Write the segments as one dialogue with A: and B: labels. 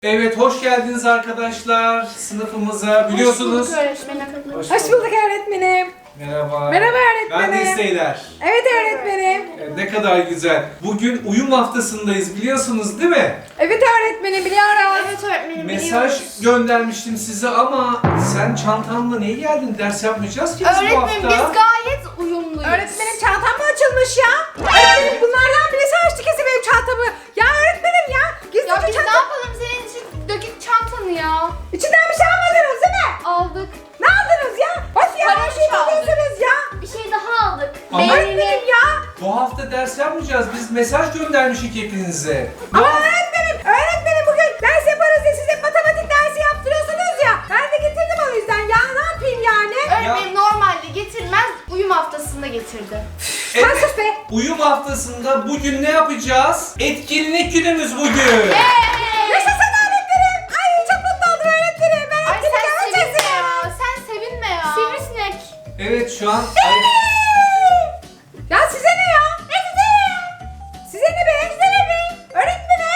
A: Evet, hoş geldiniz arkadaşlar sınıfımıza. Biliyorsunuz.
B: Hoş bulduk öğretmenim.
C: Hoş bulduk öğretmenim.
A: Merhaba.
C: Merhaba öğretmenim.
A: Ben Desteyler.
C: Evet öğretmenim.
A: Ne kadar güzel. Bugün uyum haftasındayız biliyorsunuz değil mi?
C: Evet öğretmenim biliyorum.
B: Evet öğretmenim
A: Mesaj
B: biliyoruz.
A: göndermiştim size ama sen çantanla niye geldin? Ders yapmayacağız ki biz bu
B: Öğretmenim
A: hafta.
B: biz gayet uyumluyuz.
C: Öğretmenim çantam mı açılmış ya? Öğretmenim bunlardan birisi açtı kesin benim çantamı. Ya öğretmenim ya. Gizlice
B: Ya biz ne
C: çantam.
B: yapalım senin için dökük çantanı ya.
C: İçinden bir şey almadınız değil mi?
B: Aldık.
C: Ne aldınız ya? Of ya
B: Para
C: her şeyi
B: çaldık.
C: buluyorsunuz ya.
B: Bir şey daha aldık.
A: Ama-
C: Öğretmenim ya.
A: Bu hafta ders yapmayacağız. Biz mesaj göndermişik hepinize.
C: Ama öğretmenim bugün ders yaparız diye size matematik dersi yaptırıyorsunuz ya. Ben de getirdim o yüzden ya. Ne yapayım yani?
B: Öğretmenim normalde getirmez, uyum haftasında getirdi.
C: Sen
A: Evet,
C: sus be.
A: uyum haftasında bugün ne yapacağız? Etkinlik günümüz bugün.
C: Yaşasın öğretmenim. Ay çok mutlu oldum öğretmenim. Ben
B: Ay
C: etkinlik
B: sen
C: yapacağız
B: sevinme
C: ya.
B: ya. Sen sevinme ya. Sivrisinek.
A: Evet şu an...
C: Ya size ne ya? Ne size ne ya? Size ne be? Size ne be? Öğretmenim.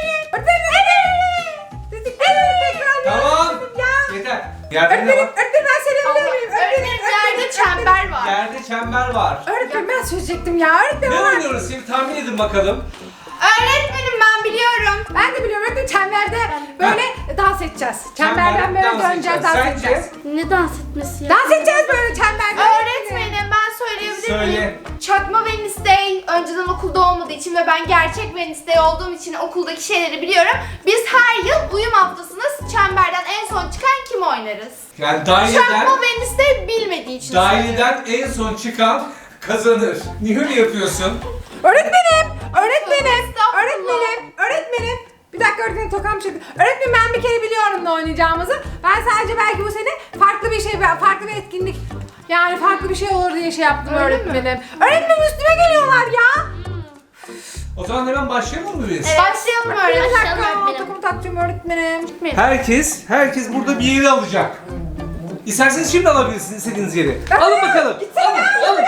C: Dediklerimi tekrar
A: Tamam.
C: öğretmenim ya.
A: Yeter. Yerde ne var?
C: Öğretmenim ben söyleyebilir miyim?
B: Öğretmenim yerde çember var.
A: Yerde çember var.
C: Öğretmenim ben söyleyecektim ya. Öğretmenim
A: Ne
C: ama-
A: oynuyoruz şimdi tahmin edin bakalım.
B: Öğretmenim ben biliyorum.
C: Ben de biliyorum öğretmenim çemberde böyle dans edeceğiz. Çemberden böyle
A: dans
C: döneceğiz,
A: edeceğiz.
C: dans
A: Sence?
C: edeceğiz.
B: Ne dans etmesi ya?
C: Dans edeceğiz böyle çemberde.
B: Öğretmenim ben söyleyebilir
A: Söyle.
B: miyim? Çakma Wednesday önceden okulda olmadığı için ve ben gerçek Wednesday olduğum için okuldaki şeyleri biliyorum. Biz her yıl uyum haftasında çemberden en son çıkan kim oynarız?
A: Yani
B: Çakma Wednesday bilmediği için
A: daireden en son çıkan kazanır. Niye öyle yapıyorsun?
C: Öğretmenim, öğretmenim,
B: Estağfurullah.
C: öğretmenim. Bir dakika öğretmenim tokam çıktı. Öğretmenim ben bir kere biliyorum ne oynayacağımızı. Ben sadece belki bu sene farklı bir şey, farklı bir etkinlik. Yani farklı bir şey olur diye şey yaptım
B: Öyle
C: öğretmenim. Öğretmenim üstüme geliyorlar ya.
A: O zaman hemen başlayalım mı biz?
B: Başlayalım
C: Bir
B: öğretmenim.
C: dakika tokumu takacağım öğretmenim.
A: Herkes burada bir yeri alacak. İsterseniz şimdi alabilirsiniz istediğiniz yeri. Alın bakalım. Alın.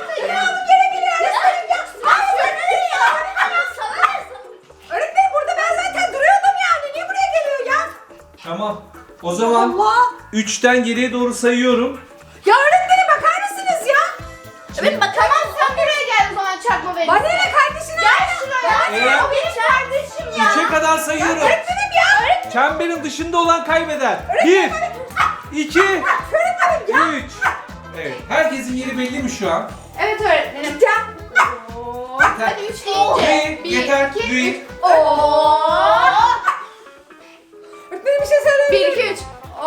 C: Öğretmenim burada ben zaten duruyordum yani. Niye buraya geliyor ya?
A: Tamam. O zaman
C: Allah.
A: 3'ten geriye doğru sayıyorum.
C: Ya öğretmenim bakar mısınız ya?
B: Evet bakamam sen buraya gel o zaman Çakma
C: Bana
B: Wednesday.
C: ne kardeşine?
B: Gel şuraya.
A: Evet.
B: O benim kardeşim ya.
A: 3'e kadar sayıyorum.
C: Öğretmenim ya.
A: Çemberin dışında olan kaybeder. 1 2 3 Evet. Herkesin yeri belli mi şu an?
B: Evet öğretmenim.
C: Ya.
B: Hadi 3 deyince.
A: Yeter.
B: 2,
A: Bir.
B: 3. Ooo.
C: Öğretmenim bir şey söyleyebilir
B: 1,
C: miyim?
B: 2, 3.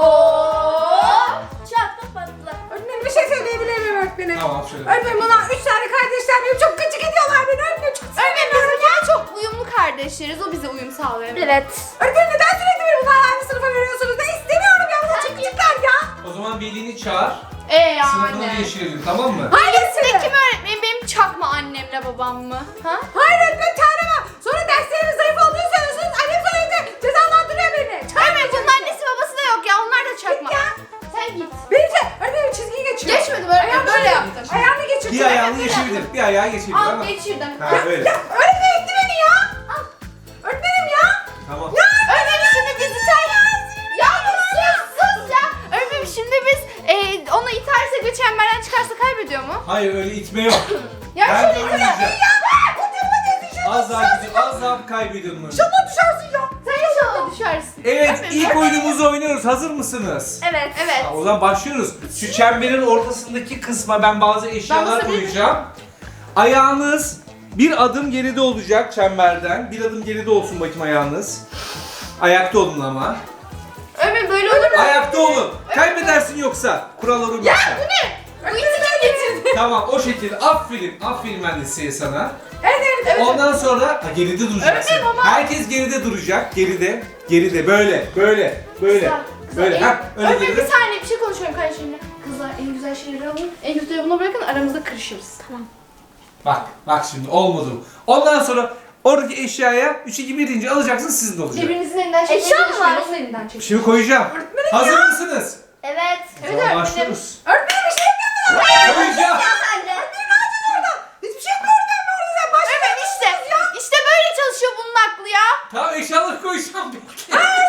B: Ooo. Çaktı patla.
C: Öğretmenim bir şey söyleyebilir miyim öğretmenim?
A: Tamam şöyle.
C: Öğretmenim bana 3 tane kardeşler benim çok gıcık ediyorlar beni öğretmenim çok
B: Öğretmenim biz bir kere çok uyumlu kardeşleriz. O bize uyum sağlıyor. Evet.
C: Öğretmenim neden sürekli beni bunlarla aynı sınıfa veriyorsunuz? Ben istemiyorum ya bunlar çok gıcıklar ya.
A: O zaman velini çağır. Sınıfını
B: Yani.
A: değiştirelim tamam mı?
B: Hangisinde kim öğretmenim? Benim çakma annemle babam mı? Ha?
C: Hayır öğretmenim çağıramam. Sonra derslerimiz zayıf olduğunu söylüyorsunuz. Annem sonra evde cezalandırıyor beni.
B: Öğretmenim bunun annesi babası da yok ya. Onlar da çakma.
C: ya.
B: Sen git.
C: Öğretmenim çizgiyi geçiyor.
B: Geçmedi böyle. Böyle yaptın.
C: Ayağını geçirdi.
A: Bir ayağını geçebilir. Bir ayağı geçebilir
B: Al
A: ama.
B: geçirdim.
A: Ha böyle.
C: Ya öğretmenim etti beni ya. Öğretmenim ya.
A: Tamam.
B: Öğretmenim şimdi bizi sen... Ya sus ya. Öğretmenim şimdi biz onu itersek ve çemberden çıkarsa kaybediyor mu?
A: Hayır öyle itme yok.
B: Ya
A: Ben
B: şöyle
A: de
B: itme.
A: oynayacağım.
C: Kutumu geçirdi.
A: Az daha gidiyor. Az daha kaybediyorum onu.
C: İnşallah düşersin ya.
B: Sen inşallah düşersin.
A: Evet
B: Öğretmenim,
A: ilk oyunumuzu oynuyoruz. Hazır mısınız?
B: Evet. Evet.
A: O zaman başlıyoruz. Şu çemberin ortasındaki kısma ben bazı eşyalar
B: basabilir miyim?
A: koyacağım. Ayağınız bir adım geride olacak çemberden. Bir adım geride olsun bakayım ayağınız. Ayakta olun ama.
B: Öğretmenim böyle olur mu?
A: Ayakta olun. Kaybedersin yoksa. Kurallara uymazsan.
B: Bu iti kim getirdi?
A: Tamam o şekilde. Aferin. Aferin ben de size sana.
C: Evet.
A: Ondan sonra geride duracaksın.
B: Öğretmenim ama-
A: Herkes geride duracak. Geride. Böyle.
B: Kızlar,
A: Böyle. Ha, öyle
B: Öğretmenim
A: geride.
B: bir saniye bir şey konuşuyorum kardeşimle. Kızlar en güzel şeyleri alın. En kötüleri buna bırakın aramızda kırışırız. Tamam.
A: Bak şimdi olmadı bu. Ondan sonra oradaki eşyaya 3 2 1 deyince alacaksın sizin de olacak.
B: Birbirinizin elinden çekmeye
C: Eşya mı
B: çalışmayın.
C: var?
B: Onun elinden çekin.
A: Şimdi koyacağım. Hazır mısınız?
B: Evet.
A: O
B: Evet
A: zaman
B: öğretmenim.
A: başlıyoruz.
C: Öğretmenim bir şey yapmıyor.
A: Koyacağım.
C: Hiçbir şey yapmıyorum ben orada sen başla.
B: Öğretmenim işte. İşte böyle çalışıyor bunun aklı ya.
A: Tamam eşyaları koyacağım. Bekle.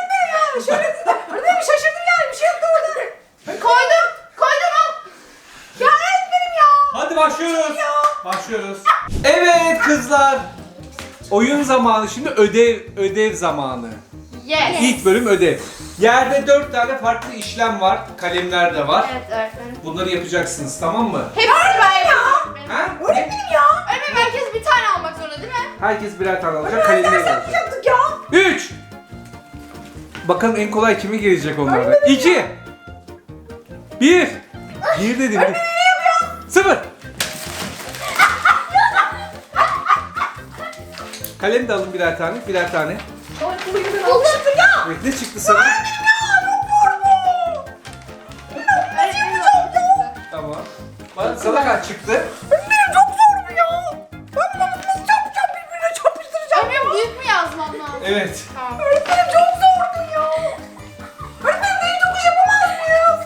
A: kızlar. Oyun zamanı, şimdi ödev zamanı.
B: Yes.
A: İlk bölüm ödev. Yerde 4 tane farklı işlem var. Kalemler de var.
B: Evet öğretmenim.
A: Bunları yapacaksınız, tamam mı?
B: Hepsini ben yapıyorum.
A: Ha?
C: Öğretmenim ya.
B: Öğretmenim herkes bir tane almak zorunda değil mi?
A: Herkes birer tane alacak, kalemleri
C: Ders
A: alacak.
C: yapmayacaktık ya.
A: 3. Bakalım en kolay kimi gelecek onlardan. 2. 1. 1 dedim. 0. Kalem de alın birer tane, birer tane.
C: Buldum ya.
A: Evet, ne çıktı sana?
B: Öğretmenim çok zor.
A: Tamam. Bana sana kaç çıktı?
C: Benim çok zor bu ya. Ben bunu nasıl yapacağım, birbirine çarpıştıracağım.
B: Öğretmenim büyük mü yazmam lazım?
A: Evet.
B: Tamam.
C: Öğretmenim çok zordu ya. Öğretmenim neyi çok iş yapamaz mıyız?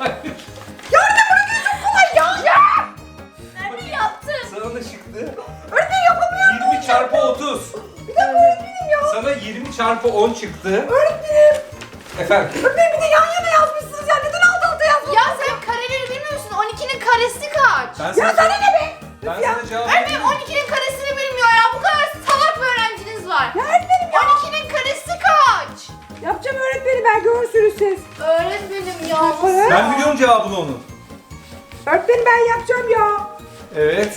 C: Ya öğretmenim burası çok kolay ya.
B: Nerede yaptın?
A: Sana ne çıktı?
C: Öğretmenim yapamıyorum.
A: 20 çarpı 30.
C: Bir dakika öğretmenim ya.
A: Sana 20 çarpı 10 çıktı.
C: Öğretmenim.
A: Efendim?
C: Öğretmenim bir de yan yana yazmışsınız ya. Neden alt alta yazmadınız?
B: Ya sen kareleri bilmiyorsun. 12'nin karesi kaç?
A: Ben
C: Ya
A: sana,
C: sana ne be?
A: ben
C: Ya.
A: sana cevap
B: Öğretmenim 12'nin karesini bilmiyor ya. Bu kadar salak bir öğrenciniz var.
C: Ya öğretmenim ya.
B: 12'nin karesi kaç?
C: Yapacağım öğretmenim, ben görürsünüz siz.
B: Öğretmenim ya.
C: Yaparım.
A: Ben biliyorum cevabını onun.
C: Öğretmenim ben yapacağım ya.
A: Evet.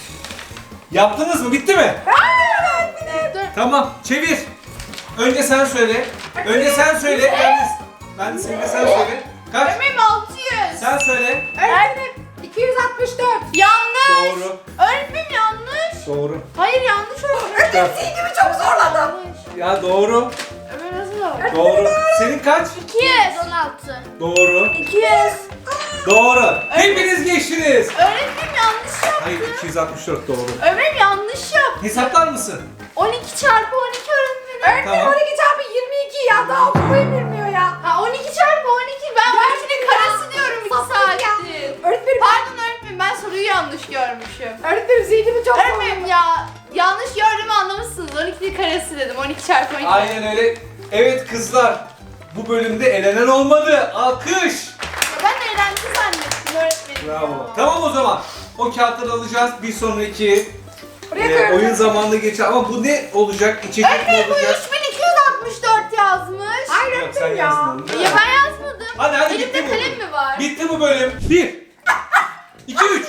A: Yaptınız mı? Bitti mi?
C: Hayır öğretmenim.
B: Dur.
A: Tamam. Çevir. Önce sen söyle. Önce sen söyle. Ben de sen söyle. Kaç?
B: Öğretmenim 600.
A: Sen söyle.
C: Öğretmenim 264.
B: Yanlış.
A: Doğru.
B: Öğretmenim yanlış.
A: Doğru.
B: Hayır yanlış öğretmenim.
C: Öğretmenim zihnimi çok zorladım.
B: Yanlış.
A: Ya doğru.
B: Ömer nasıl var?
A: Doğru. Senin kaç?
B: 216.
A: Doğru.
B: 200.
A: Doğru. Hepiniz geçtiniz.
B: Öğretmenim yanlış yaptı.
A: Hayır, 264 doğru.
B: Öğretmenim yanlış yaptı.
A: Hesaplar mısın?
B: 12 çarpı 12 öğretmenim.
C: Öğretmenim
A: Tamam.
C: 12 çarpı 22 ya, daha okumayı bilmiyor ya.
B: Ha 12 çarpı 12 ben 12'nin karesi diyorum 2 saattir.
C: Öğretmenim,
B: Pardon öğretmenim ben soruyu yanlış görmüşüm.
C: öğretmenim zihnimi çok zorladım.
B: Öğretmenim ya yanlış gördüğümü anlamışsınız. 12'nin karesi dedim 12 çarpı 12.
A: Aynen öyle. Evet kızlar. Bu bölümde elenen olmadı. Alkış.
B: Ya ben eğlence zannettim öğretmenim.
A: Bravo. Tamam o zaman. O kağıtları alacağız. Bir sonraki
C: Buraya koyuyorum.
A: oyun zamanına geçer. Ama bu ne olacak? İçecek mi
B: Öğretmenim bu
A: olacak?
B: 3264 yazmış.
C: Hayır
A: Yok, sen
C: öğretmenim ya.
A: yazdın onu, değil mi?
B: Ya ben yazmadım.
A: Hadi
B: Elimde
A: bitti bu.
B: kalem mi var?
A: Bitti bu bölüm. 1 2 3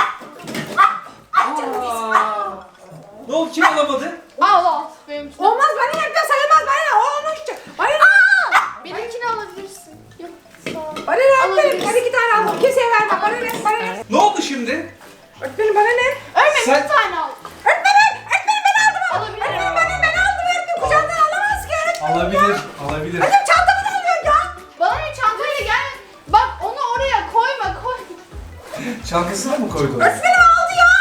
A: Ne oldu? Kim alamadı?
B: Al al. Benimkini.
C: Olmaz, bana yapacağım, sayılmaz, bana ne? O onun için. Bana ne?
B: Benimkini alabilirsin. Yok sağ ol.
C: Bana ne öğretmenim?
B: Alabilirsin.
C: Ben 2 tane aldım. Kimseye vermem. Bana ne? Bana ne?
A: Ne oldu şimdi?
C: Öğretmenim bana ne?
B: Öğretmenim
A: Sen-
B: bir tane al.
C: Öğretmenim! Öğretmenim ben aldım.
B: Alabilirim.
C: Öğretmenim bana ben aldım. Öğretmenim kucağından alamaz ki öğretmenim.
A: Alabilir. Alabilir.
C: Öğretmenim çantamı da alıyor ya.
B: Bana ne çantayla gel. Bak onu oraya koyma koy.
A: Çantasına mı koydun?
C: Öğretmenim aldı ya.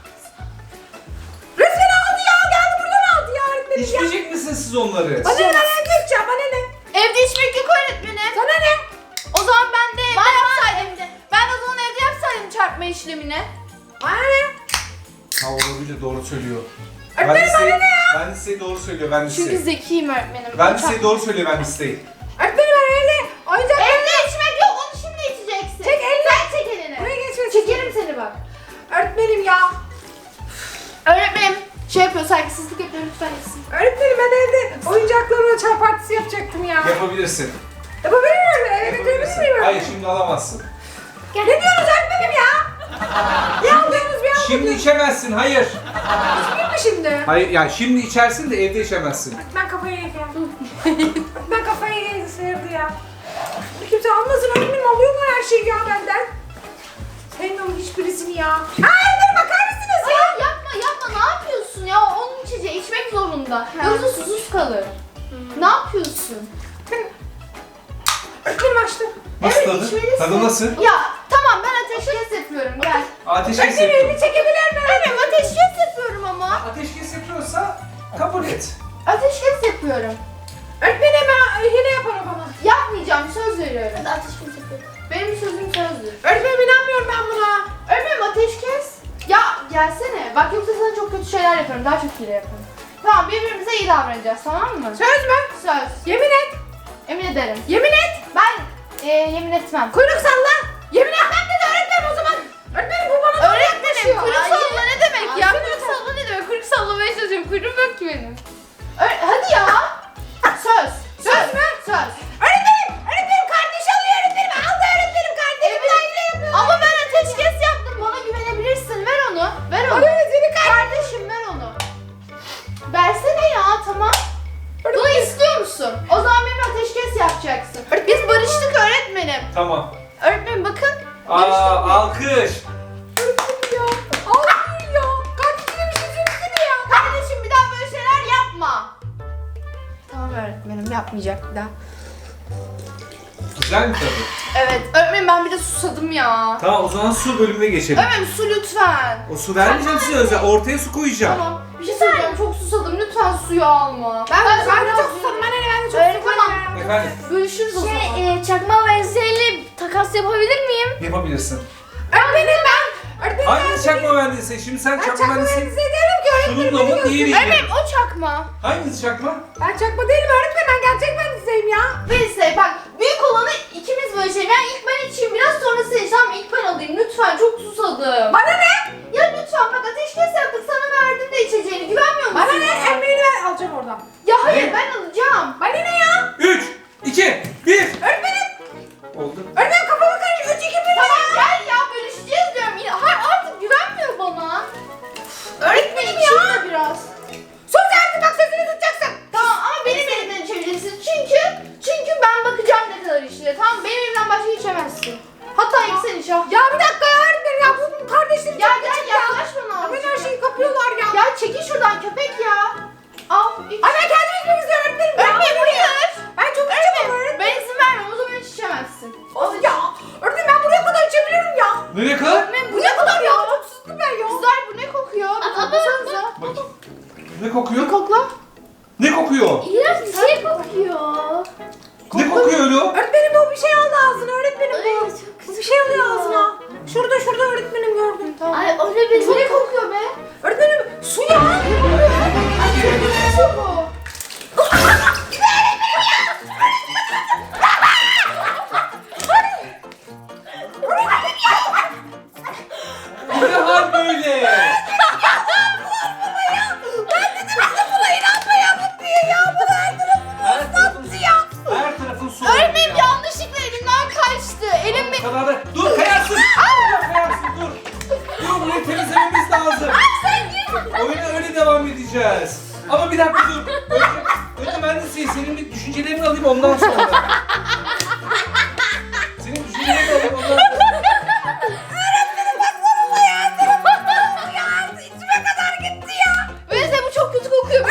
C: Resmen aldı ya. Geldi buradan aldı ya öğretmenim ya.
A: İçmeyecek misiniz siz onları?
C: Bana ne? Ben evde içeceğim. Bana ne?
B: Evde içmek yok öğretmenim.
C: Sana ne?
B: O zaman ben de evde yapsaydım. Ben de o zaman evde yapsaydım çarpma işlemini.
C: Bana ne?
A: Ha olabilir, doğru söylüyor.
C: Öğretmenim bana ne ya?
A: Ben de size doğru söylüyor, ben de
B: Çünkü
A: size.
B: zekiyim öğretmenim.
A: Ben de size doğru söylüyor, ben de size.
C: Öğretmenim ben evde oyuncak.
B: Evde içmek yok onu şimdi içeceksin.
C: Çek elini.
B: Sen çek elini.
C: Buraya geçmesin.
B: Çekerim seni bak.
C: Öğretmenim ya.
B: Öğretmenim şey yapıyor saygısızlık yapıyor lütfen etsin.
C: Öğretmenim ben evde oyuncaklarla çay partisi yapacaktım ya.
A: Yapabilirsin.
C: Yapabilir miyim? Eve götürebilir miyim?
A: Hayır, şimdi alamazsın.
C: Ne diyorsunuz öğretmenim ya? Bir aldığınız bir aldığınız.
A: Şimdi içemezsin, hayır.
C: Değil mi şimdi?
A: Hayır, yani şimdi içersin de evde içemezsin.
C: Ben kafayı yedim. Ben kafayı yedim, sıyırdı ya. Kimse almasın öğretmenim, alıyorlar her şeyi ya benden. Senin onun hiçbirisini ya. Hayır bakar mısınız ya?
B: Hayır yapma ne yapıyorsun ya onun içeceği içmek zorunda. Yoksa susuz kalır. Ne yapıyorsun?
C: Öğretmenim açtım.
A: Nasıl
B: Evet,
A: tadı?
B: içmelisin.
A: Tadı nasıl?
B: Ya tamam ben ateşkes yapıyorum gel.
A: Ateşkes
C: Öğretmenim
A: yapıyor.
C: elini çekebilir mi?
B: Öğretmenim ateşkes yapıyorum ama.
A: Ateşkes yapıyorsa kabul et.
B: Ateşkes yapıyorum.
C: Öğretmenim ben hile yaparım bana.
B: Yapmayacağım söz veriyorum. Ateşkes yapıyorum. Benim sözüm sözdür.
C: Öğretmenim inanmıyorum ben buna.
B: Öğretmenim ateşkes. Ya gelsene. Bak yoksa sana çok kötü şeyler yaparım. Daha çok hile yaparım. Tamam birbirimize iyi davranacağız tamam mı?
C: Söz mü?
B: Söz.
C: Yemin et.
B: Emin ederim.
C: Yemin et.
B: Ben yemin etmem.
C: Kuyruk salla. Yemin etmem dedi öğretmenim o zaman. Öğretmenim bu bana
B: Öğretmenim kuyruk
C: Hayır.
B: salla ne demek ya?
C: Hayır.
B: Kuyruk salla ne demek? Kuyruk salla vereceğim. Kuyruğum yok ki benim. Hadi ya. Söz. Söz mü? Söz.
C: Öğretmenim kardeş alıyor öğretmenim. Aldı öğretmenim kardeşim.
B: Evet. Ama ben ateşkes yaptım. Bana güvenebilirsin. Ver onu. Ver onu. Kardeşim ver onu. Versene ya, tamam. Bunu istiyor musun? O zaman benimle ateşkes yapacaksın. Biz barıştık öğretmenim.
A: Tamam.
B: Öğretmenim bakın. Barıştık.
A: Alkış.
C: Öğretmenim ya. Almıyor ya. Kardeşine bir şey söylesene ya.
B: Kardeşim bir daha böyle şeyler yapma. Tamam öğretmenim, yapmayacak bir daha.
A: Güzel mi tadı?
B: Evet öğretmenim, ben bir de susadım ya.
A: Tamam, o zaman su bölümüne geçelim.
B: Öğretmenim su lütfen.
A: O su vermeyeceğim size özel. Ortaya su koyacağım.
B: Tamam. Bir şey söyleyeceğim, çok susadım. Lütfen suyu alma.
C: Ben de
B: biraz
C: çok susadım. Ben de çok
B: Öğretmenim,
C: susadım.
A: Efendim,
B: bölüşürüz o zaman.
D: Çakma benzeyle takas yapabilir miyim?
A: yapabilirsin.
C: Öğretmenim ben. Öğretmenim
A: Hangi çakma mühendisi? Şimdi sen
C: ben
A: çakma
C: çakma
A: mühendisi.
C: mühendisi değilim ki öğretmenim.
A: Şununla mı diğeriyle?
B: Öğretmenim o çakma.
A: Hangisi çakma?
C: Ben çakma değilim öğretmenim. Ben gerçek mühendisiyim ya.
B: Neyse bak, büyük olanı ikimiz bölüşelim. Yani ilk ben içeyim, biraz sonra sen iç. Tamam, ilk ben alayım. Lütfen, çok susadım.
C: Bana ne?
B: Ya lütfen bak, ateşkes yaptık. Sana verdim de içeceğini. Güvenmiyor musun?
C: Bana ne?
B: ya?
C: Emeğini ben alacağım oradan.
B: Ya hayır,
A: Ne?
B: ben alacağım.
C: Bana ne ya?
A: 3, 2, 1.
C: Öğretmenim.
A: Oldu.
C: Öğretmenim kafamı karıştı. 3 2 1
B: Tamam gel ya, bölüşeceğiz diyorum. Ya, hayır, artık güvenmiyor bana. Öğretmenim içeyim de biraz.
C: Sus artık, bak sözünü tutacaksın.
B: Tamam ama benim elimden içebilirsin. Çünkü ben bakacağım ne kadar içtiğine. Tamam, benim elimden başka içemezsin. Hatta ilk sen iç ha.
C: Ya bir dakika ya öğretmenim ya. Bu kardeşlerim
B: Ya
C: çok
B: gel
C: küçük ya.
B: yaklaş bana.
C: Ya ben her şeyi kapıyorlar ya.
B: Ya çekil şuradan köpek ya. Al iç.
C: Ay ben kendim içmek istiyorum öğretmenim. Ya.
B: Öğretmenim buyur.
C: Ben çok içemem öğretmenim.
B: Ben izin vermem, o zaman hiç içemezsin.
C: Of ya. Öğretmenim ben buraya kadar içebilirim ya.
A: Nereye kadar?
B: Öğretmenim bu
C: Buraya
B: ne
C: kadar ya.
B: kokuyor?
C: Çok sustum ben ya.
B: Kızlar bu ne kokuyor? Bir koklasanıza.
A: Bak. Ne kokuyor?
B: Kokla.
A: Ne kokuyor?
D: İğrenç bir şey kokuyor.
A: Ne kokuyor öyle o?
C: Öğretmenim bu bir şey aldı ağzına öğretmenim
D: Ay,
C: bu.
D: çok
C: Bu bir şey alıyor ağzına. Şurada öğretmenim gördüm.
B: Tamam.
D: Ay o ne benim?
B: Bu ne kokuyor be?
C: Öğretmenim su ya.
B: Ay çok bu.
A: Bu ne hal böyle? Her tarafın Her tarafın su.
B: Öğretmenim yanlışlıkla elimden kaçtı. Elim
A: Bu kadar da... Dur kayarsın. Dur kayarsın dur. Dur burayı temizlememiz lazım. Oyuna öyle devam edeceğiz. Ama bir dakika dur. Önce ben de senin bir düşüncelerini alayım ondan sonra. Senin düşüncelerini alayım ondan sonra.
B: Neyse bu çok kötü kokuyor.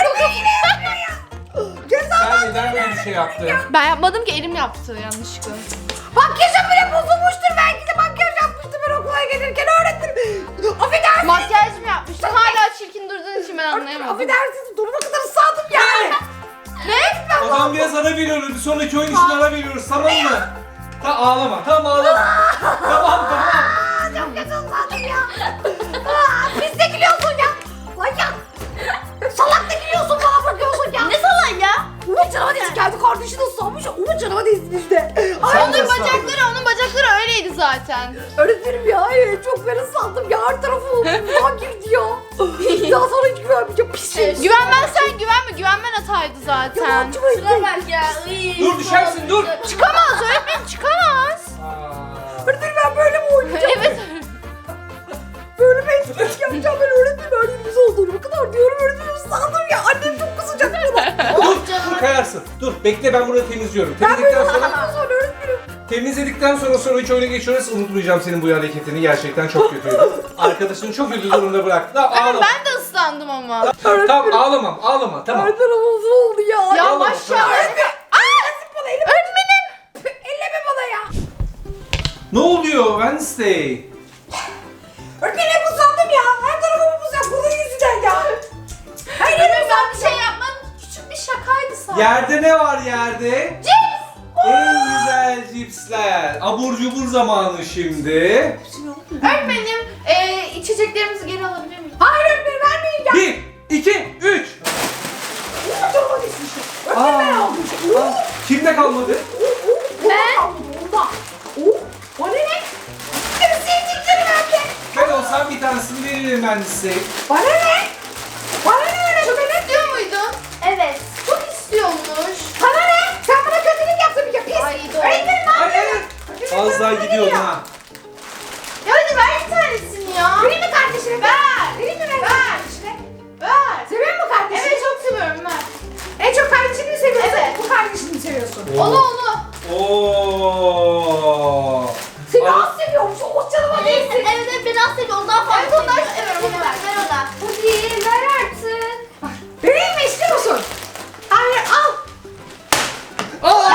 A: Sen neden böyle bir şey yaptın?
B: Ben yapmadım ki, elim yaptı yanlışlıkla.
C: Makyajım bile bozulmuştur. Belki de makyaj yapmıştım ben okula gelirken öğretmenim. Affedersiniz.
B: Makyaj mı yapmıştın? Hala çirkin durduğun için ben anlayamadım.
C: Affedersiniz. Duruma kadar ıslandım ya.
B: Ne?
A: O zaman biraz ara veriyoruz. Bir sonraki oyun için ara veriyoruz. Tamam mı? Ağlama. Tamam ağlama. Tamam.
C: Çok kötü ıslandım ya. Pis de gülüyorsun ya. Lan ya. Salak da gülüyorsun, bana bakıyorsun ya.
D: Ne salak ya?
C: Umut canıma değsin. Kendi kardeşini ıslanmış. Umut canıma değsin işte. Ay,
A: Sen de
B: Onun bacakları öyleydi zaten.
C: öğretmenim ya. Çok ben ıslandım ya. Her tarafım kan girdi ya. Ya sana hiç güvenmeyeceğim. Pis şey.
B: Güvenmezsen güvenme. Güvenmen hataydı zaten.
C: Yalancı mı
D: Şuna bak ya. Iy,
A: Dur düşersin dur.
B: Çıkamaz öğretmenim, çıkamaz.
C: Öğretmenim ben böyle mi oynayacağım?
B: Evet.
C: Böyle mi etkinlik yapacağım ben öğretmenim? Öğretmenimiz olduğunu kadar diyorum. Öğretmenim ıslandım ya. Annem çok kızacak bana.
A: Dur kayarsın. Dur bekle ben burayı temizliyorum.
C: Ben böyle
A: Temizledikten sonra
C: ıslandım sonra öğretmenim.
A: Temizledikten sonra sonraki oyuna geçiyoruz. Unutmayacağım senin bu hareketini. Gerçekten çok kötüydü. Arkadaşını çok kötü durumda bıraktı. Tamam ağlama.
B: Ben de ıslandım ama.
A: Tamam ağlama. Tamam.
C: Her tarafım oldu ya.
B: Ya
A: Ağlama,
B: maşallah.
A: tamam.
C: Bana elime. Öğretmenim. Elleme bana ya.
A: Ne oluyor Wednesday?
C: Öğretmenim hep ıslandım ya. Her tarafım buz ya. Bunun yüzünden ya. Hayır
B: Öğretmenim ben bir şey yapmadım. Küçük bir şakaydı sadece.
A: Yerde ne var yerde?
B: Cips.
A: En güzel cipsler. Abur cubur zamanı şimdi.
B: Öğretmenim içeceklerimizi geri alabilir miyim?
C: Hayır öğretmenim vermeyin ya.
A: 1, 2, 3.
C: Canıma değsin işte. Öğretmenim ben aldım.
A: Kimde kalmadı?
C: Ben aldım onda. O ne ne? Benim sevdiklerim öyle.
A: Ben olsam bir tanesini veririm ben size.
C: Bana ne? Bana ne öğretmenim?
A: Az daha gidiyordun ha.
B: Ya hadi ver bir tanesini ya.
C: Vereyim mi kardeşine?
B: Ver.
C: Vereyim mi ben
B: Ver.
C: kardeşine?
B: Ver.
C: Seviyor musun kardeşini?
B: Evet çok seviyorum ver.
C: En çok kardeşini mi seviyorsun?
B: Evet.
C: Bu kardeşini mi seviyorsun?
B: Onu onu.
A: Oo.
C: Seni
A: Ay-
C: az seviyormuş. O canıma
D: Evet,
C: değilsin.
D: evet ben aslında ondan fazla
B: Evet, ondan
D: seviyorum.
B: seviyorum, onu ver.
D: Ver ona.
C: Hadi ver artık. Vereyim mi istiyor musun? Hayır al.
A: Aa!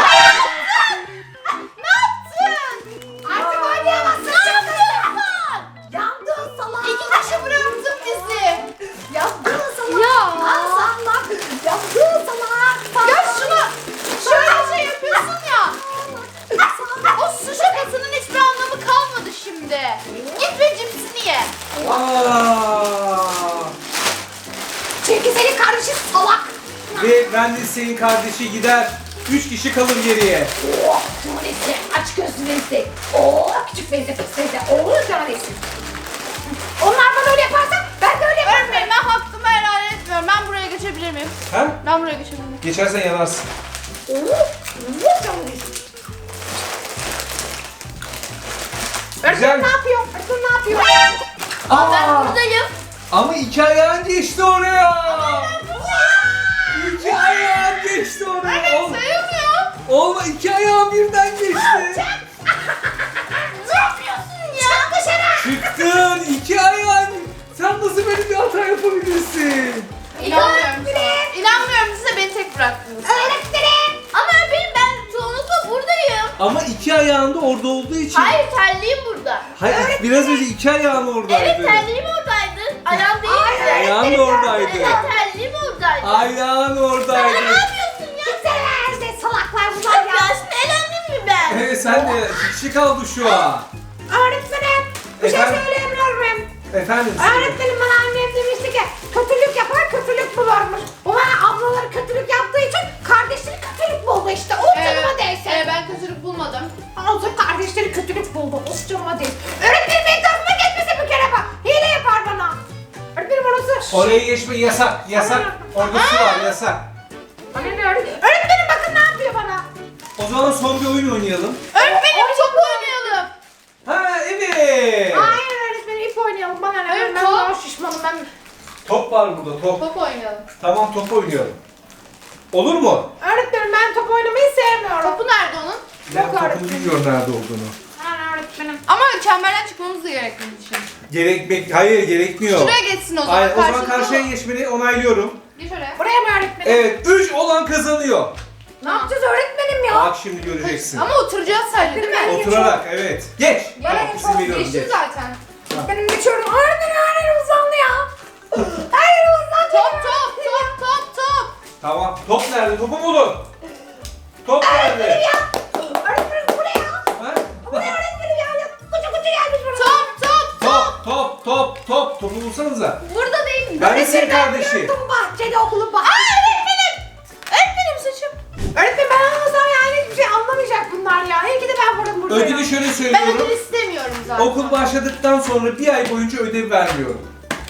B: Ne yaptın?
C: Artık oynayamazsın.
B: Ne yaptın?
C: Yandın salak.
B: İki kişi bıraktın bizi.
C: Yandın salak.
B: Ya.
C: Al salak. Yandın salak.
B: Ya şunu şöyle şey yapıyorsun ya. O su şakasının hiçbir anlamı kalmadı şimdi. Git ve cipsini ye.
A: Aa!
C: Çünkü senin kardeşin salak.
A: Ve Wendy's'in kardeşi gider. 3 kişi kalır geriye.
C: Oh, tanesi. Aç gözünü iste. Oh, küçük benzi pisteyse. Oh, tanesi. Onlar bana öyle yaparsa ben de öyle yaparım.
B: Öğretmenim ben hakkımı helal etmiyorum. Ben buraya geçebilir miyim?
A: Ha?
B: Ben buraya geçebilir miyim?
A: Geçersen yanarsın.
C: Oh, oh, tanesi.
A: Güzel.
C: Ne yapıyor? Öğretmen ne yapıyor?
D: Ben buradayım.
A: Ama 2 ayağın geçti oraya. 2 ayağın geçti oraya.
B: Sayılmıyor.
A: Olma 2 ayağın birden geçti.
D: Ne yapıyorsun ya?
C: Çık dışarı.
A: Çıktın 2 ayağın. Sen nasıl böyle bir hata yapabilirsin?
B: İnanmıyorum sana. İnanmıyorum size beni tek bıraktınız.
C: Öğretmenim.
D: Ama öğretmenim ben çoğunlukla buradayım.
A: Ama 2 ayağın da orada olduğu için.
D: Hayır terliğim burada.
A: Hayır, biraz önce 2 ayağın oradaydı.
D: Evet terliğim oradaydı. Ayağım değildi.
A: Ayağın da oradaydı.
D: Evet terliğim oradaydı.
A: Ayağın
D: Ya ne
A: oradaydı.
D: yapıyorsun ya?
C: Gitsene işte salaklar bunlar
D: Ya
C: ya.
D: şimdi elendim mi ben?
A: Evet sen de 2 kişi kaldı şu an.
C: Öğretmenim. Bir şey
A: Efendim?
C: söyleyebilir miyim?
A: Efendim.
C: Öğretmenim bana annem demişti ki kötülük yapar kötülük bulurmuş. O bana ablaları kötülük yaptığı için kardeşleri kötülük buldu işte. O canıma değsin.
B: Ben kötülük bulmadım.
C: Olsun kardeşleri kötülük buldu. O canıma değsin. Öğretmenim benim tarafıma geçmesin bir kere bak. Hile yapar bana. Öğretmenim orası.
A: Oraya geçme yasak. Yasak. Orada su var yasak.
C: Bana ne öğretmenim? Öğretmenim bakın ne yapıyor bana.
A: O zaman son bir oyun oynayalım.
B: Öğretmenim top oynayalım.
A: Ha evet.
C: Hayır öğretmenim ip oynayalım. Bana ne?
B: Hayır,
C: Ben
B: top.
C: daha şişmanım ben.
A: Top var burada top.
B: Top oynayalım.
A: Tamam top oynayalım. Olur mu?
C: Öğretmenim ben top oynamayı sevmiyorum.
B: Topu nerede onun?
A: Ben
C: Yok
A: topun
C: öğretmenim.
A: bilmiyorum nerede olduğunu.
C: Ben öğretmenim.
B: Ama çemberden çıkmamız da gerektiğini düşün.
A: Hayır gerekmiyor.
B: Şuraya geçsin o zaman.
A: Hayır, o zaman
B: karşılıklı
A: karşıya
B: olur.
A: geçmeni onaylıyorum.
B: Geç oraya.
C: Buraya mı öğretmenim?
A: Evet 3 olan kazanıyor.
C: Ne yapacağız öğretmenim ya?
A: Bak şimdi göreceksin.
B: Ama oturacağız sadece değil mi?
A: Oturarak evet. Geç.
C: Ya,
A: Tamam,
C: en
A: izin
C: son
A: veriyorum
B: Geçtim
A: geç.
B: zaten.
C: Benim geçiyorum. Öğretmenim her yerim uzandı ya. Her yerim uzandı.
B: Top.
A: Tamam. Top nerede? Topu bulun. Top
C: Öğretmenim
A: nerede?
C: ya. Öğretmenim bu ne ya?
A: Ha?
C: Bu ne öğretmenim ya? Kucu kucu gelmiş buraya.
A: Top. Topu bulsanıza.
B: Burada değil.
A: Ben de senin kardeşi.
C: Gördüm bahçede okulun bahçede.
B: Öğretmenim saçım.
C: Öğretmenim ben anlasam yani hiçbir şey anlamayacak bunlar ya. İyi ki de ben varım burada.
A: Ödülü şöyle
B: Ben
A: söylüyorum.
B: ödül istemiyorum zaten.
A: Okul başladıktan sonra bir ay boyunca ödev vermiyorum.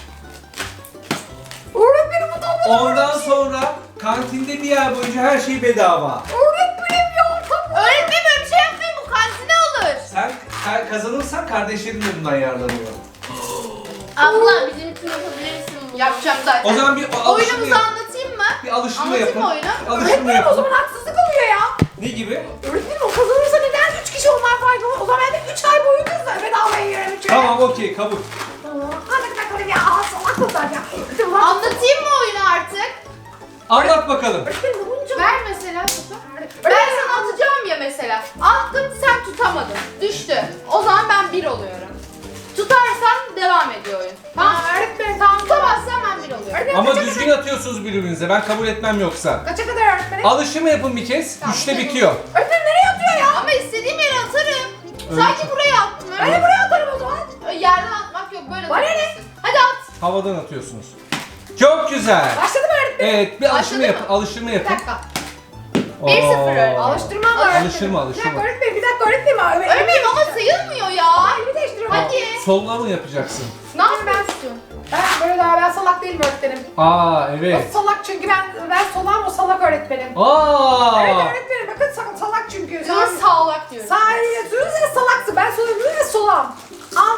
C: Öğretmenim bu topu.
A: Ondan sonra kantinde bir ay boyunca her şey bedava.
C: Öğretmenim ya. Tamam.
B: Öğretmenim öyle bir şey yapmayın bu kantine alır.
A: Sen kazanırsan kardeşlerin de bundan yararlanıyor.
D: Abla bizim için yapabilirsin bunu.
B: Yapacağım zaten.
A: O zaman bir alıştırma
B: Oyunumuzu
A: yap.
B: anlatayım mı?
A: Bir alıştırma
B: Anlatayım
A: yapın.
B: mı oyunu?
A: Bir alıştırma
C: Öğretmenim o
A: yapın.
C: zaman haksızlık oluyor ya.
A: Ne gibi?
C: Öğretmenim o kazanırsa neden 3 kişi onlar faydalı? O zaman ben de 3 ay boyunca bedavaya yiyorum.
A: Tamam okey kabul.
C: Hadi bakalım ya. Salak bunlar ya.
B: Anlatayım mı oyunu artık?
A: Anlat bakalım.
C: Öğretmenim bunca.
B: Ver mesela topu. Ben sana atacağım ya mesela. Attım sen tutamadın. Düştü. O zaman ben 1 oluyorum. Tutarsan devam ediyor oyun.
C: Tamam öğretmenim tamam.
B: Tutamazsan ben 1 oluyorum.
C: Öğretmenim
A: Ama
C: kaça
A: düzgün atıyorsunuz birbirinize. Ben kabul etmem yoksa.
C: kadar? Kaça kadar öğretmenim?
A: Alıştırma yapın bir kez.
B: Tamam,
A: 3'te
B: tamam.
A: bitiyor.
C: Öğretmenim nereye atıyor ya?
B: Ama istediğim yere atarım.
A: Öyle
B: Sadece buraya attım.
C: Ben de buraya atarım o zaman.
B: Yerden atmak yok böyle
C: Bana ne?
B: atacaksın. Hadi at.
A: Havadan atıyorsunuz. Çok güzel.
C: Başladı mı öğretmenim?
A: Evet bir alıştırma
B: Başladı
A: yapın.
B: mı?
A: Alıştırma
C: Bir
A: yapın.
C: dakika.
B: 1-0 öğretmenim.
A: Oo.
C: Alıştırma mı öğretmenim?
A: Alıştırma,
C: Bir
A: alıştırma.
C: dakika öğretmenim bir dakika öğretmenim.
B: Öğretmenim ama sayılmıyor ya.
C: Elimi değiştiriyorum.
B: Hadi.
A: Solla mı yapacaksın?
B: Ne yapıyorsun?
C: Ben böyle daha ben salak değilim öğretmenim.
A: Aa
C: O
A: evet.
C: salak çünkü ben salağım o salak öğretmenim.
A: Aa.
C: Evet öğretmenim bakın salak çünkü.
B: Biz sağlak diyoruz.
C: Sağ eliyle yatıyoruz ya salaksın. Ben sola yürüyorum ya solam. Al.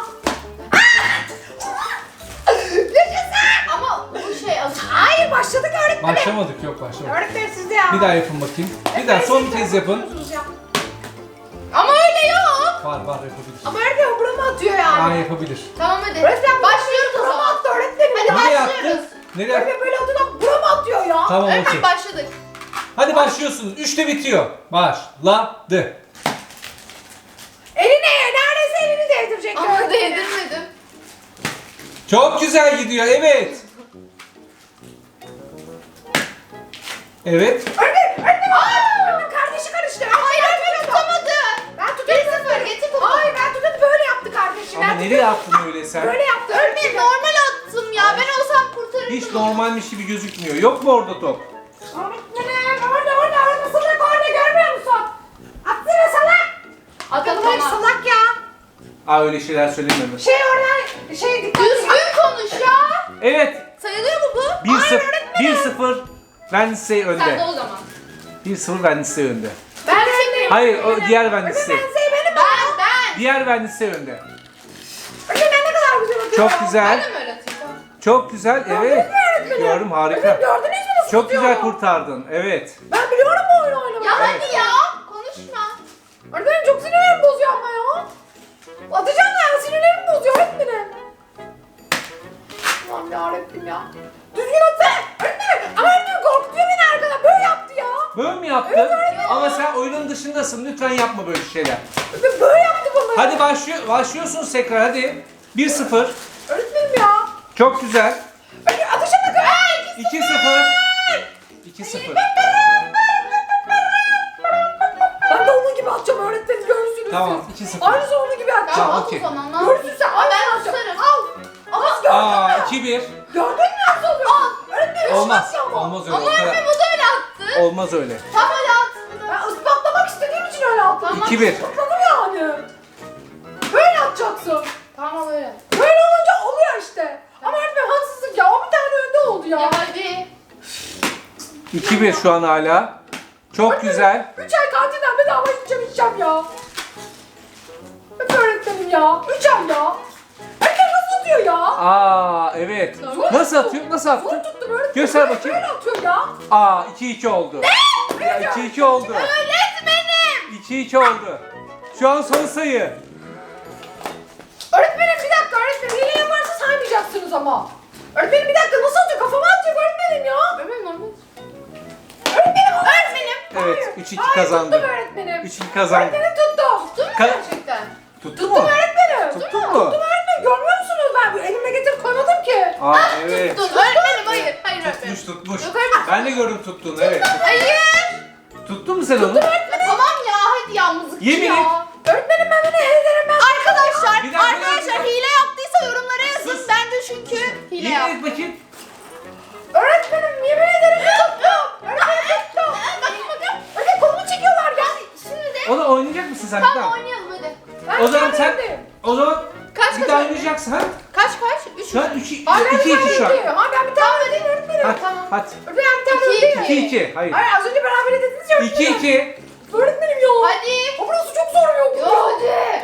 B: Ama bu şey az.
C: Hayır başladık öğretmenim.
A: Başlamadık, yok başlamadık.
C: Öğretmenim siz de ya.
A: Bir daha yapın bakayım. Bir daha son kez yapın.
B: Ama öyle yok.
A: Var yapabilir.
C: Ama öğretmenim burama atıyor yani.
A: Aa yapabilir.
B: Tamam hadi.
C: Öğretmenim
B: Başlıyoruz o
C: burama
B: zaman.
C: attı öğretmenim.
B: Hadi
A: Nereye
B: başlıyoruz.
A: attın? Nereye attın?
C: Öğretmenim böyle olduğunda burama atıyor ya.
A: Tamam okey.
B: Öğretmen başladık.
A: Hadi başlıyorsunuz. 3'te bitiyor. Başladı.
C: Eline neredeyse elini değdirecek.
B: Ama
C: öğretmenim.
B: değdirmedim.
A: Çok güzel gidiyor. Evet. Evet.
C: Öğretmenim kardeşi karıştı.
B: Hayır öğretmen tutamadı.
C: Ben tutamadım.
B: 1-0 getir topu.
C: Hayır ben tutamadım böyle yaptı kardeşim.
A: Ama
C: Ben
A: nereye attın öyle sen?
C: böyle yaptı.
B: Öğretmen normal attım ya. Ben olsam kurtarırdım.
A: Hiç normalmiş gibi gözükmüyor. Yok mu orada top?
C: Öğretmenim orada salak orada görmüyor musun? Atsana salak.
B: Atalım
C: Hayır
B: ama.
C: salak ya.
A: Aa öyle şeyler söyleme.
C: Şey oradan şey dikkat.
B: Düzgün konuş ya.
A: Evet.
B: Sayılıyor mu bu?
A: 1-0 Wednesday
B: Sen de
A: önde.
B: o zaman.
A: 1-0 Wednesday önde.
C: Ben çekeyim.
A: Hayır o diğer Wednesday.
C: Benim.
B: Ben.
A: Diğer Wednesday önde.
C: Öğretmenim ne kadar güzel atıyor.
A: Çok
B: Ben
A: güzel.
B: de mi öğreteyim?
A: Çok güzel. Evet. Gördüm harika.
C: Gördünüz mü nasıl
A: Çok
C: tutuyor?
A: güzel kurtardın. Evet.
C: Ben biliyorum bu oyunu oynamayı.
B: Ya hadi ya. Konuşma.
C: Öğretmenim çok sinirlerimi bozuyor ama ya. Atacağım ya sinirlerimi bozuyor öğretmenim. Aman yarabbim ya. Düzgün atsana. Öğretmenim. Ama öğretmenim korkutuyor beni arkadan. Böyle yaptı ya.
A: Böyle mi yaptın? Ama sen oyunun dışındasın. Lütfen yapma böyle şeyler.
C: Öğretmenim böyle yaptı bana.
A: Hadi başlıyorsunuz tekrar hadi. 1-0.
C: Öğretmenim ya.
A: Çok güzel.
C: Öğretmenim atışa bakın.
A: 2-0. 2-0.
C: Ben de onun gibi atacağım öğretmenim görürsünüz
A: Tamam,
C: siz.
A: 2-0.
C: Aynısı onun gibi atacağım.
B: Tamam
A: Tamam,
B: at
A: okey.
B: o zaman. Al.
C: Görürsün sen.
B: Aa, ben
C: Aynısını atacağım.
B: tutarım.
C: Al. Ama gördün
A: Aa
C: mü?
A: 2-1.
C: Gördün mü nasıl oluyor? Al. Öğretmenim
A: Olmaz.
C: atacağım ama.
A: Olmaz öyle.
B: Ama
A: O kadar-
B: öğretmen bu da öyle attı.
A: Olmaz öyle.
B: Tam öyle attı.
C: Ben ispatlamak istediğim için öyle attım.
B: Tamam.
A: 2-1.
C: Ispatladım yani. Böyle atacaksın.
B: Tamam öyle.
C: Böyle olunca oluyor işte. Ama öğretmenim haksızlık ya. O bir tane önde oldu ya.
B: Ya hadi.
A: 2-1 şu an hala. Çok güzel.
C: 3 ay kantinden bedava içeceğim ya. Hep öğretmenim ya. 3 ay ya. Öğretmen nasıl tutuyor ya?
A: Aa evet. Nasıl atıyor? Nasıl
C: Zor
A: attı?
C: tuttum öğretmenim.
A: Göster bakayım.
C: Böyle atıyor ya.
A: Aa 2-2 oldu. Ya 2-2 oldu.
B: Öğretmenim.
A: 2-2 oldu. Şu an son sayı.
C: Öğretmenim bir dakika öğretmenim. Hile yaparsa saymayacaksınız ama. Öğretmenim bir dakika nasıl atıyor? Kafama atıyor öğretmenim ya.
B: Öğretmenim normal.
C: Öğretmenim öğretmenim.
A: Evet,
C: Hayır.
A: 3-2
C: Hayır,
A: kazandı.
C: tuttum öğretmenim.
A: 3-2 kazandı.
C: Öğretmenim tuttum.
B: Tuttun mu
A: Ka-
B: gerçekten?
A: Tuttu mu?
C: Tuttum öğretmenim.
A: Tuttun mu?
C: Tuttum öğretmenim. Görmüyor musunuz? Ben bu elime getirip koymadım ki.
A: Aa evet.
B: Tuttun. Öğretmenim hayır. Hayır öğretmenim.
A: Tutmuş.
B: Yok öğretmenim.
A: Ben de gördüm tuttuğunu evet.
B: Hayır.
A: Tuttun mu sen onu?
B: Tamam ya hadi ya mızıkçı
A: Yemin
B: ya.
A: et.
C: Öğretmenim ben bunu ederim ben.
B: Arkadaşlar,
A: Bir dakika,
B: arkadaşlar
A: bir dakika.
B: hile yaptıysa yorumlara yazın.
A: Sus.
B: Bence çünkü hile
A: Yemin
B: yaptı.
A: et bakayım.
C: Öğretmenim yemin ederim tuttum. Öğretmenim tuttum.
B: Bakın bakın.
C: Öyle kolumu çekiyorlar ya.
B: Şimdi de
A: Onu oynayacak mısın sen? Bir
B: tamam
A: daha?
B: oynayalım hadi.
C: Ben
A: O zaman sen
C: öğretmenim.
A: o zaman
B: Kaç
A: bir
B: kaç
A: daha
B: öğretmenim?
A: oynayacaksın ha?
B: Kaç? 3
A: Şu an
B: mü?
A: 2-2 şu an.
C: Ha ben bir tane ödeyim öğretmenim.
A: Hadi
B: Tamam.
A: hadi.
C: Öğretmenim bir tane
B: İki,
C: ödeyim.
A: 2-2 hayır.
C: Hayır az önce beraber dediniz ya öğretmenim.
A: 2-2.
C: Öğretmenim ya.
B: Hadi.
C: O burası çok zor yok.
B: Yo hadi.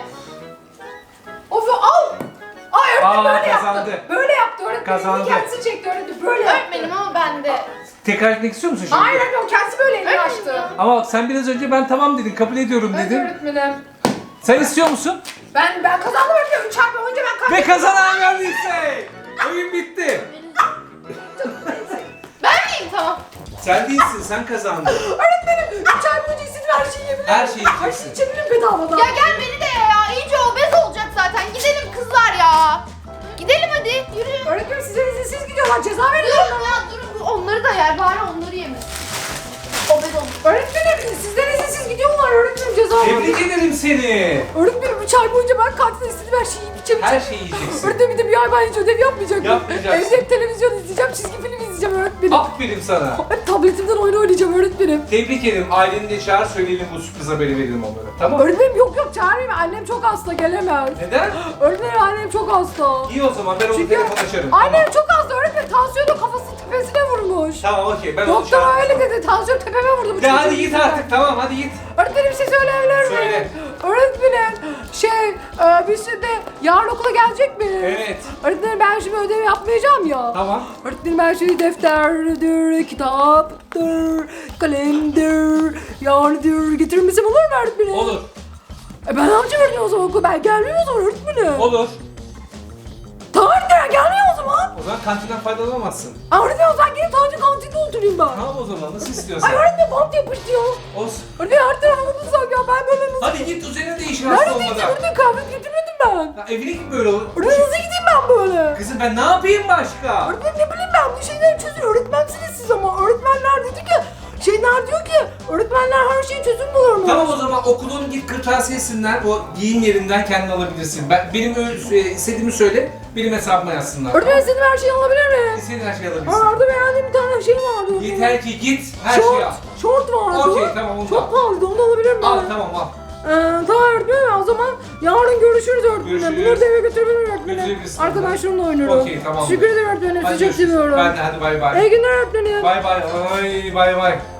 C: Of al. Ay öğretmenim
A: Aa,
C: böyle
A: kazandı.
C: yaptı. Böyle yaptı öğretmenim.
A: Kazandı.
C: Kendisi çekti öğretmenim. Böyle yaptı.
B: Öğretmenim ama ben de.
A: Tekrar etmek istiyor musun şimdi?
C: Hayır öğretmenim kendisi böyle elini
B: Öğretmenim
C: açtı.
B: ya.
A: Ama sen biraz önce ben tamam dedin, kabul ediyorum
C: Evet
A: dedin.
C: öğretmenim.
A: Sen istiyor musun?
C: Ben kazandım öğretmenim. 3 ay önce ben kazandım.
A: Ve kazanan verdiyse. Oyun bitti.
B: Ben miyim? Tamam.
A: Sen değilsin, sen kazandın.
C: Öğretmenim 3 ay boyunca istediğim her şeyi yiyebilirim.
A: Her şeyi
C: Her
A: yiyeceksin.
C: şeyi içebilirim bedavadan.
B: Ya gel beni de ye ya. İyice obez olacak zaten. Gidelim kızlar ya. Gidelim hadi. Yürü.
C: Öğretmenim size izinsiz gidiyorlar. Ceza verin.
B: Durun ya durun. Bu onları da yer. Bari onları yemesin. Obez olmuş.
C: Öğretmenim sizden izinsiz gidiyorlar. Öğretmenim ceza verin.
A: Tebrik ederim seni.
C: Öğretmenim 3 ay boyunca ben kantinde istediğim her şeyi yiyip içebileceğim.
A: Her şeyi yiyeceksin.
C: Öğretmenim bir de bir ay ben hiç ödev yapmayacağım.
A: Yapmayacaksın.
C: Evde hep televizyon izleyeceğim, çizgi film izleyeceğim öğretmenim.
A: Aferin sana.
C: Hep tabletimden oyun oynayacağım öğretmenim.
A: Tebrik ederim. Aileni de çağır, söyleyelim bu sürpriz haberi verelim onlara. Tamam mı?
C: Öğretmenim yok çağırmayayım. Annem çok hasta gelemez.
A: Neden?
C: Öğretmenim annem çok hasta.
A: İyi o zaman ben onu
C: Çünkü
A: telefon açarım.
C: annem
A: Tamam.
C: çok hasta öğretmenim. öğretmenim tansiyonu kafasının tepesine vurmuş.
A: Tamam okey ben onu
C: Doktor
A: çağırdım.
C: öyle dedi. Tansiyon tepeme vurdu. bu
A: Ya hadi
C: çocuğun
A: git
C: yüzünden.
A: artık tamam hadi git.
C: Öğretmenim bir şey söyleyebilir miyim?
A: Söyle.
C: Öğretmenim biz şimdi yarın okula gelecek miyiz?
A: Evet.
C: Öğretmenim ben şimdi ödev yapmayacağım ya.
A: Tamam.
C: Öğretmenim ben şimdi defterdir, kitaptır, kalemdir, yardır getirir misin olur mu öğretmenim?
A: Olur.
C: Ben ne yapacağım öğretmenim o zaman okula? Ben gelmiyorum o zaman öğretmenim.
A: Olur.
C: Tamam öğretmenim gelmiyor o zaman.
A: O zaman kantinden faydalanamazsın.
C: Öğretmenim o zaman gelip sadece kantinde oturayım ben.
A: Tamam o zaman nasıl istiyorsan.
C: Ay öğretmenim bant yapıştı ya.
A: Olsun.
C: Öğretmenim her tarafımı bulsak ya ben böyle nasıl...
A: Hadi git üzerine değişir hasta
C: Nerede değilsin
A: olmadan.
C: öğretmenim kahve getirmedim ben.
A: Ya evine git böyle olur.
C: Öğretmenim nasıl gideyim ben böyle?
A: Kızım ben ne yapayım başka?
C: Öğretmenim ne bileyim ben bu şeyleri çözün. Öğretmensiniz siz ama öğretmenler dedi ki şeyler diyor ki öğretmenler her şeyi çözüm bulurmuş.
A: Tamam o zaman okulun git kırtasiyesinden o giyim yerinden kendin alabilirsin. Benim istediğimi söyle, benim hesabıma yazsınlar.
C: Öğretmenim istediğim her şeyi alabilir miyim?
A: İstediğin her şeyi alabilirsin.
C: Aa, orada beğendiğim bir tane şey vardı.
A: Yeter ki git her şeyi
C: Şort,
A: al.
C: şort vardı.
A: Okey, tamam, onu da
C: Çok
A: al.
C: pahalıydı onu da alabilir miyim?
A: Al tamam al.
C: Tamam öğretmenim o zaman yarın görüşürüz öğretmenim.
A: Görüşürüz.
C: Bunları da eve götürebilirim öğretmenim.
A: Götürebilirsin.
C: Arkadaşlarımla oynuyorum.
A: Okey, tamam.
C: Teşekkür ederim öğretmenim.
A: Hadi
C: Sizi çok
A: görüşürüz.
C: seviyorum.
A: Ben de hadi bay bay.
C: İyi günler öğretmenim.
A: Bay bay. Ay bay bay.